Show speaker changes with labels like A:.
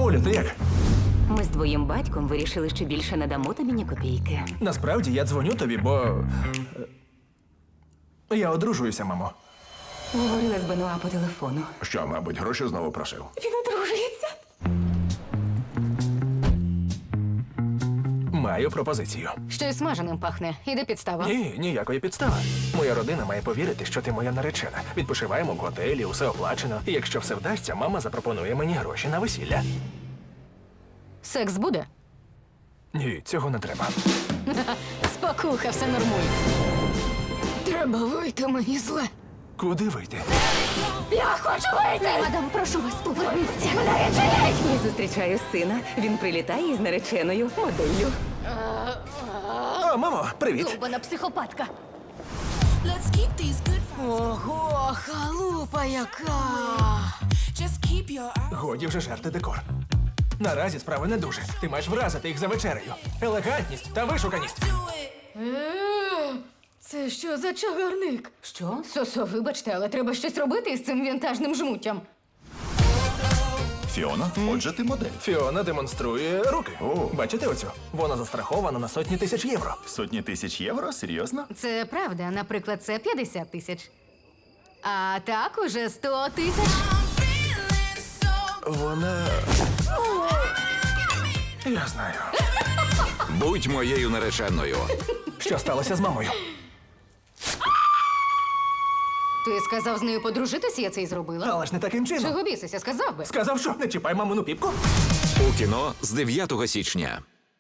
A: Олю, ти як?
B: Ми з твоїм батьком вирішили, що більше не дамо тобі ні копійки.
A: Насправді я дзвоню тобі, бо. Я одружуюся, мамо.
B: Говорила з Бенуа по телефону.
C: Що, мабуть, гроші знову просив?
B: Він одружується.
A: Маю пропозицію.
D: Щось смаженим пахне. Іде підстава.
A: Ні, ніякої підстави. Моя родина має повірити, що ти моя наречена. Відпочиваємо в готелі, усе оплачено. І якщо все вдасться, мама запропонує мені гроші на весілля.
D: Секс буде?
A: Ні, цього не треба.
D: Спокуха, все нормуй. Треба вийти, мені зле.
A: Куди вийти?
D: Я хочу вийти! Мадам, прошу вас, поверніться.
B: Я зустрічаю сина. Він прилітає із нареченою моделлю.
A: О, мамо, привіт.
D: Довбана психопатка.
E: Let's keep these good vibes.
D: Ого, халупа яка!
E: Just keep your eyes.
A: Годі вже жерти декор. Наразі справи не дуже. Ти маєш вразити їх за вечерею. Елегантність та вишуканість.
E: Do it.
D: Це що за чагарник?
B: Що?
D: Сосо, вибачте, але треба щось робити із цим вінтажним жмуттям.
C: Фіона, отже, ти модель.
A: Фіона демонструє руки.
C: О.
A: Бачите оцю? Вона застрахована на сотні тисяч євро.
C: Сотні тисяч євро? Серйозно?
D: Це правда, наприклад, це 50 тисяч. А так уже 100 тисяч.
E: I'm feeling so.
A: Вона. Я знаю.
F: Будь моєю нареченою.
A: Що сталося з мамою?
D: Ти сказав з нею подружитися, я це й зробила.
A: Але ж не таким чином.
D: Чого бісися, сказав би.
A: Сказав, що не чіпай мамину піпку.
F: У кіно з 9 січня.